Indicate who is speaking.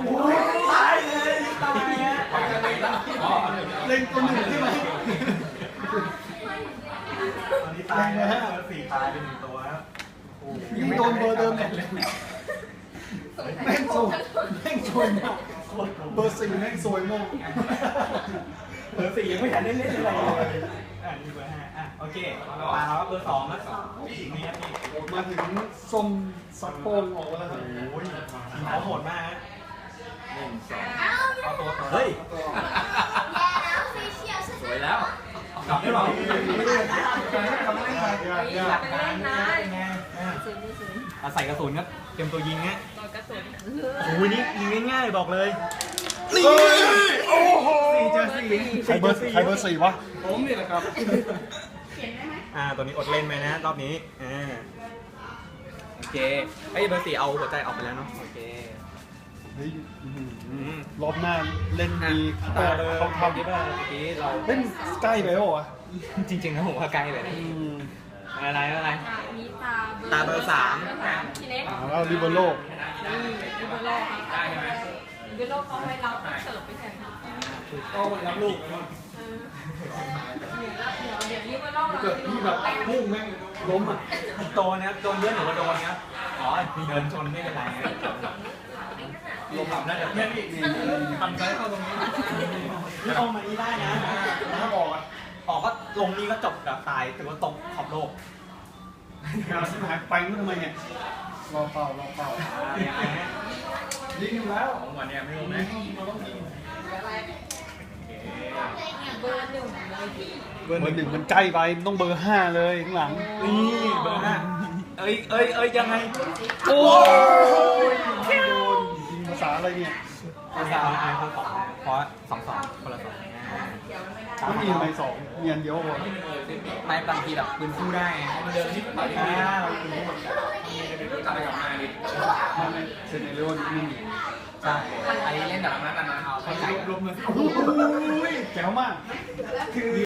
Speaker 1: ตายเลยตายฮะเล็งตัวหนึ่งใช่ไหมตอนนี้ตายนะฮะ4ตายเป็น1ตัวครับยังโดนเบอร์เดิมเลยแม่งโซยแม่งโซยมากเบอร์4แม่งโซยมากเบอร์4ยังไม่ทันได้เล่นอะไรเลยนี่เบอร์5โอเคตาเราเบอร์2นะนี่ครับนี่มาถึงส้มซัปโป้ออกแล้วโอ้ยเขาโหดมากฮะเอาตัวเฮ้ยสวยแล้วกลับได้หรอไม่ได้ทำไม่ได้หลักการนะใส่กระสุนครับเตรียมตัวยิงฮะโอ้ยนี่ยิงง่ายๆบอกเลยนี่โอ้โห4 เจอ 4ใครเบอร์ 4วะผมนี่แหละครับตัวนี้อดเล่นไหมนะรอบนี้โอเคไอ้เบอร์ 4เอาหัวใจออกไปแล้วเนาะโอเครอบหน้าเล่นดีเขาทำได้บ้างเมื่อกี้เราเล่นใกล้ไปหรอวะจริงๆนะผมว่าใกล้เลยอะไรตาเบอร์ 3ทีเล็กแล้วริเบโร่ริเบโร่ครับริเบโร่เขาให้เราเสิร์ฟไปแทนก็รับลูกเดี๋ยวริเบโร่เกิดที่แบบพุ่งแม่งล้มอ่ะโดนนะโดนเยอะหรือว่าโดนเนี้ยอ๋อเดินชนไม่เป็นไรลงหลับได้เดี๋ยวทำใจเข้าตรงนี้นี่เอามานี้ได้นะถ้าออกก็ลงนี้ก็จบแบบตายถือว่าตกขอบโลกเราชิบหายไปนู่นทำไมเนี่ยรอเป่ายิงอยู่แล้วของวันเนี่ยไม่ลงไหมเบอร์ 1มันใกล้ไปต้องเบอร์ 5เลยข้างหลังนี่เบอร์ 5เอ้ยยังไงโอ้ยโดนยิงภาษาอะไรเนี่ยภาษาคนสองเพราะ2 คนละ2ไม่มีทำไม2มีอันเดียวพอไม่บางทีแบบปืนคู่ได้มันเดินที่ต่อยที่เราปืนคู่กลับไปกับมาดิไม่เซนเรโอนี่ไม่มีใช่อันนี้เล่นแบบนั้นเอาเข้าใจรวมเลยโอ้ยแจ๋วมากคือ